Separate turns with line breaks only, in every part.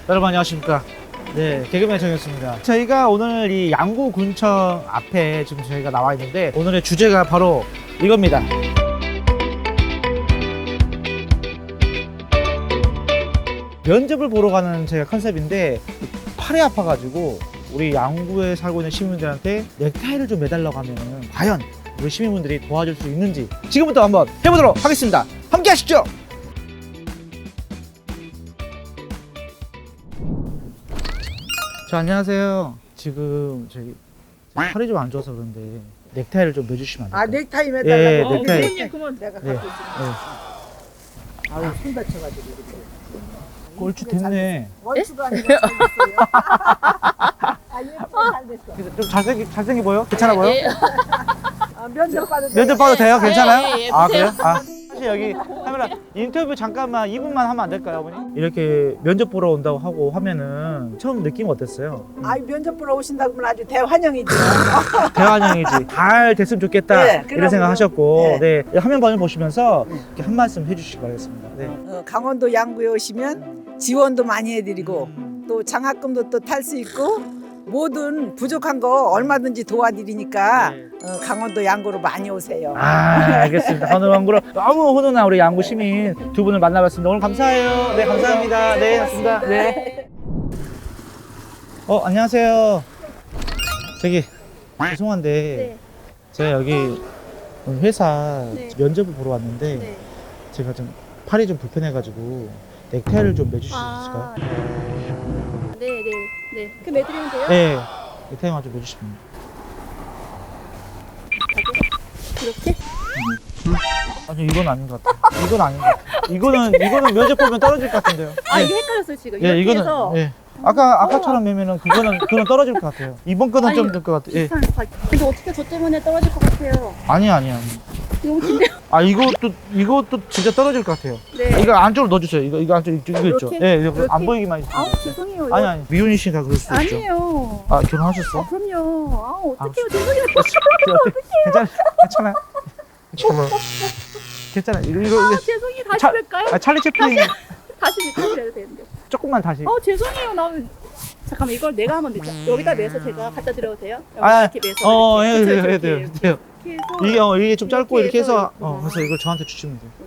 여러분 안녕하십니까. 네, 개그맨 정현수입니다. 저희가 오늘 이 양구군청 앞에 지금 저희가 나와 있는데 오늘의 주제가 바로 이겁니다. 면접을 보러 가는 제가 컨셉인데 팔이 아파가지고 우리 양구에 살고 있는 시민분들한테 넥타이를 좀 매달라고 하면 과연 우리 시민분들이 도와줄 수 있는지 지금부터 한번 해보도록 하겠습니다. 함께 하시죠. 자, 안녕하세요. 지금 저희 팔이 좀 안 좋아서 그런데 넥타이를 좀 매주시면 안 될까요?
넥타이 매달라고?
예, 넥타이.
네, 그만 내가 갖고
네.
있어. 아유, 손 다쳐가지고 이렇게.
꼴찌 됐네.
원수가 아니고 잘됐어요. 아, 예쁘게 잘 됐어.
좀 잘생겨 보여? 괜찮아 보여?
아, 면접 봐도 돼.
면접 봐도 돼요? 괜찮아요?
예,
아, 그래요? 아, 사실 여기 카메라 인터뷰 잠깐만 2분만 하면 안 될까요, 어머니? 이렇게 면접 보러 온다고 하고 하면은 처음 느낌 어땠어요?
아, 면접 보러 오신다고 하면 아주 대환영이죠.
대환영이지. 잘 됐으면 좋겠다.
네,
이런
그럼요.
생각하셨고,
네.
네, 화면 번호 보시면서 이렇게 한 말씀 해주시기 바라겠습니다. 네.
강원도 양구에 오시면 지원도 많이 해드리고 또 장학금도 또 탈 수 있고 모든 부족한 거 얼마든지 도와드리니까
네.
강원도 양구로 많이 오세요.
아, 알겠습니다. 오늘 왕구로 너무 훈훈한 우리 양구 시민 두 분을 만나봤습니다. 오늘 감사해요. 네, 감사합니다. 네, 맞습니다. 네. 안녕하세요. 저기 죄송한데
네.
제가 여기 오늘 회사
네.
면접을 보러 왔는데
네.
제가 좀 팔이 좀 불편해가지고 넥타이를 좀 매주실 수 있을까요?
네. 그 매드리면 돼요?
네, 넥타이만 좀 매주시면.
이렇게?
아니 이건 아닌 것 같아요. 이건 아닌 것 같아요. 이거는 면접 보면 떨어질 것 같은데요.
아,
네.
이게 헷갈렸어요, 지금.
예,
이렇게
이거는
해서.
예. 아까처럼 매면은 그거는 떨어질 것 같아요. 이번 거는
아니,
좀 될 것 같아요. 예.
비슷한 거. 근데 어떻게 저 때문에 떨어질 것 같아요?
아니.
너무 긴데요?
아 이것도 진짜 떨어질 것 같아요.
네.
이거 안쪽으로 넣어주세요. 이거 안쪽 이거 있죠.
이렇게?
예, 이거 안
이렇게?
보이기만 해주세요.
아우, 죄송해요. 이거.
아니 미혼이시니까 그럴 수도 있죠.
아니에요.
아 결혼하셨어?
그럼요. 아, 어떡해요.
아,
죄송해요.
괜찮아요. 괜찮아. 이거
아, 죄송해요. 다시
차-
할까요?
찰리 채플린
다시 해야 되는데.
조금만 다시.
죄송해요. 잠깐만, 이걸 내가 한번 넣자. 여기다 매서 제가 갖다 드려도 돼요? 여기
아,
이렇게 매서.
해도
이렇게.
돼요.
그쵸,
돼요.
이렇게 해서.
이게 좀 짧고 이렇게 해서
이렇게.
그래서 이걸 저한테 주시면 돼요.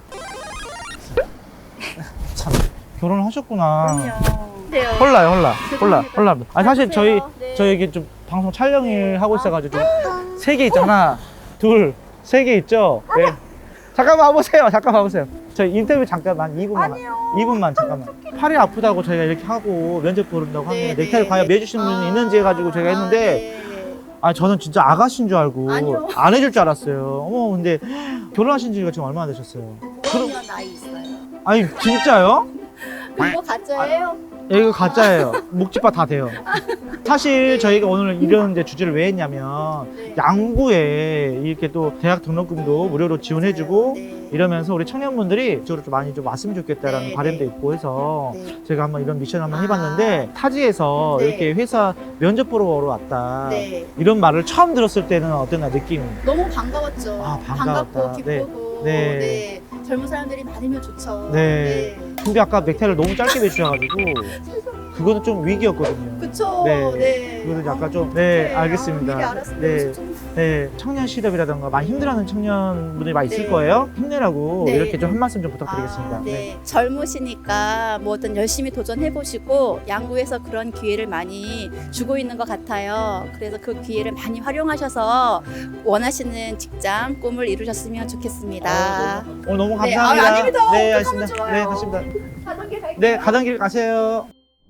참 결혼을 하셨구나.
그럼요. 돼요.
홀라요, 홀라.
죄송합니다.
아니 사실 저희
네.
이게 좀 방송 촬영을 하고 있어가지고 좀 3개 있잖아. 둘, 3개 있죠. 네. 잠깐만 와보세요. 저희 인터뷰 잠깐만 2분만 잠깐만. 팔이 아프다고 저희가 이렇게 하고 면접 보른다고 하면
네,
넥타이를
네,
과연
네.
매주시는 분이 있는지 해가지고 제가 했는데
네.
저는 진짜 아가씨인 줄 알고
아니요.
안 해줄 줄 알았어요. 근데 결혼하신 지가 지금 얼마나 되셨어요?
그런 나이 있어요.
아니 진짜요?
그거 가짜예요?
이거 가짜예요. 묵지바 다 돼요. 사실 저희가 오늘 이런 이제 주제를 왜 했냐면
네.
양구에 이렇게 또 대학 등록금도 무료로 지원해주고
네.
이러면서 우리 청년분들이 이쪽으로 좀 많이 좀 왔으면 좋겠다라는
네,
바람도
네.
있고 해서
네.
제가 한번 이런 미션 한번 해봤는데 타지에서
네.
이렇게 회사 면접 보러 왔다
네.
이런 말을 처음 들었을 때는 어땠나 느낌이?
너무 반가웠죠.
아, 반가웠다.
반갑고 기쁘고
네.
네. 젊은 사람들이 많으면 좋죠.
네. 근데 아까 넥타이를 너무 짧게 매주셔가지고 그거는 좀 위기였거든요.
그쵸.
네.
네.
그거는 약간 좀
어떡해.
네, 알겠습니다.
미리 알았으면
네.
좀.
네, 청년 실업이라던가 많이 힘들어하는 청년분들이 많이 있을
네.
거예요. 힘내라고
네.
이렇게 좀 한 말씀 좀 부탁드리겠습니다.
네. 젊으시니까 뭐든 열심히 도전해보시고 양구에서 그런 기회를 많이 주고 있는 것 같아요. 그래서 그 기회를 많이 활용하셔서 원하시는 직장 꿈을 이루셨으면 좋겠습니다.
오늘 너무
네,
감사합니다.
아닙니다.
네,
어떡하면
알겠습니다.
좋아요.
네, 맞습니다.
가던 길 갈게요.
네, 가던 길 가세요.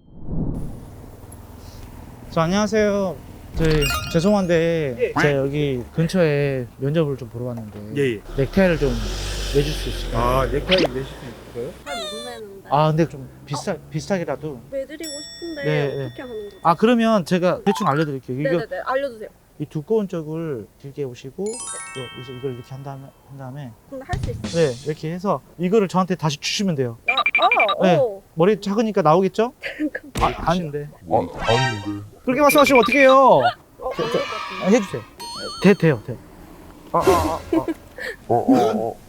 안녕하세요. 죄송한데 제가 여기 근처에 면접을 좀 보러 왔는데
예.
넥타이를 좀 매줄 수 있을까요?
넥타이 매실 수 있어요?
잘 모르겠는데
근데 좀 비슷하게라도.
매드리고 싶은데
네,
어떻게 하는 거죠?
그러면 제가 대충 알려드릴게요. 이거
네네네 알려주세요.
이 두꺼운 쪽을 길게 오시고 이제 이걸 이렇게 한 다음에
근데 할 수 있어요.
네 이렇게 해서 이거를 저한테 다시 주시면 돼요.
네.
네. 머리 작으니까 나오겠죠? 아닌데. 그렇게 말씀하시면 어떡해요? 해주세요. 돼요.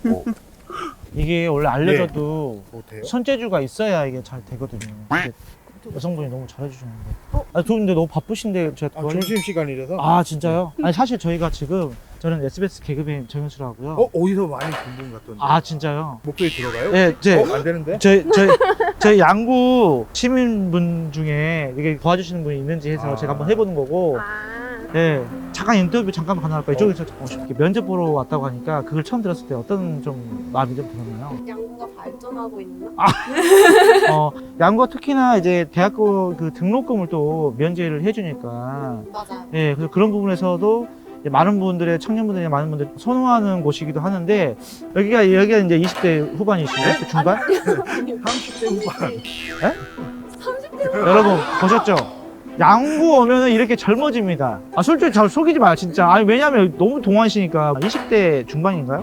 이게 원래 알려줘도
뭐 돼요?
손재주가 있어야 이게 잘 되거든요. 이게 여성분이 너무 잘해주셨는데.
어?
아, 두 분데 너무 바쁘신데 제가 도와드릴-
점심시간이라서.
아 진짜요? 아니 사실 저희가 지금 저는 SBS 개그맨 정현수라 하고요.
어디서 많이 본 분 같던데.
아 진짜요?
목소리 들어가요?
네,
안 되는데?
저희 양구 시민분 중에 이게 도와주시는 분이 있는지 해서
아.
제가 한번 해보는 거고.
아.
네, 잠깐 인터뷰 잠깐 가능할까요? 이쪽에서 이렇게 면접 보러 왔다고 하니까 그걸 처음 들었을 때 어떤 좀 마음이 좀 들었나요?
양구가 발전하고 있나?
양구가 특히나 이제 대학교 그 등록금을 또 면제를 해주니까,
맞아요.
예, 그래서 그런 부분에서도 이제 많은 분들의 청년분들이 많은 분들이 선호하는 곳이기도 하는데 여기가 이제 20대 후반이신가요? 20대 중반?
30대 후반.
30대
여러분 보셨죠? 양구 오면은 이렇게 젊어집니다. 아 솔직히 잘 속이지 마요 진짜. 아니 왜냐면 너무 동안이시니까 20대 중반인가요?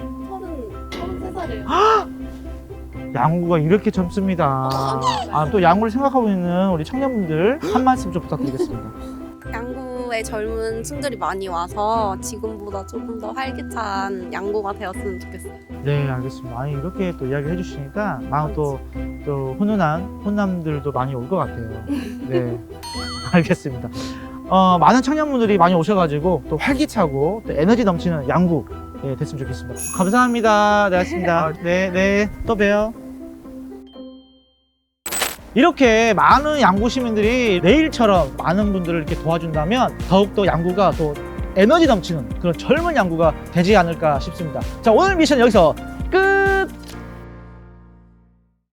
33살이에요.
양구가 이렇게 젊습니다. 아 또 양구를 생각하고 있는 우리 청년분들 한 말씀 좀 부탁드리겠습니다.
양구에 젊은 층들이 많이 와서 지금보다 조금 더 활기찬 양구가 되었으면 좋겠어요.
네 알겠습니다. 아니 이렇게 또 이야기 해주시니까 마음 또 훈훈한 혼남들도 많이 올 것 같아요. 네 알겠습니다. 많은 청년분들이 많이 오셔가지고 또 활기차고 또 에너지 넘치는 양구 됐으면 좋겠습니다. 감사합니다. 네 알겠습니다. 네 또 봬요. 이렇게 많은 양구 시민들이 내일처럼 많은 분들을 이렇게 도와준다면 더욱더 양구가 또 에너지 넘치는 그런 젊은 양구가 되지 않을까 싶습니다. 자 오늘 미션 여기서 끝!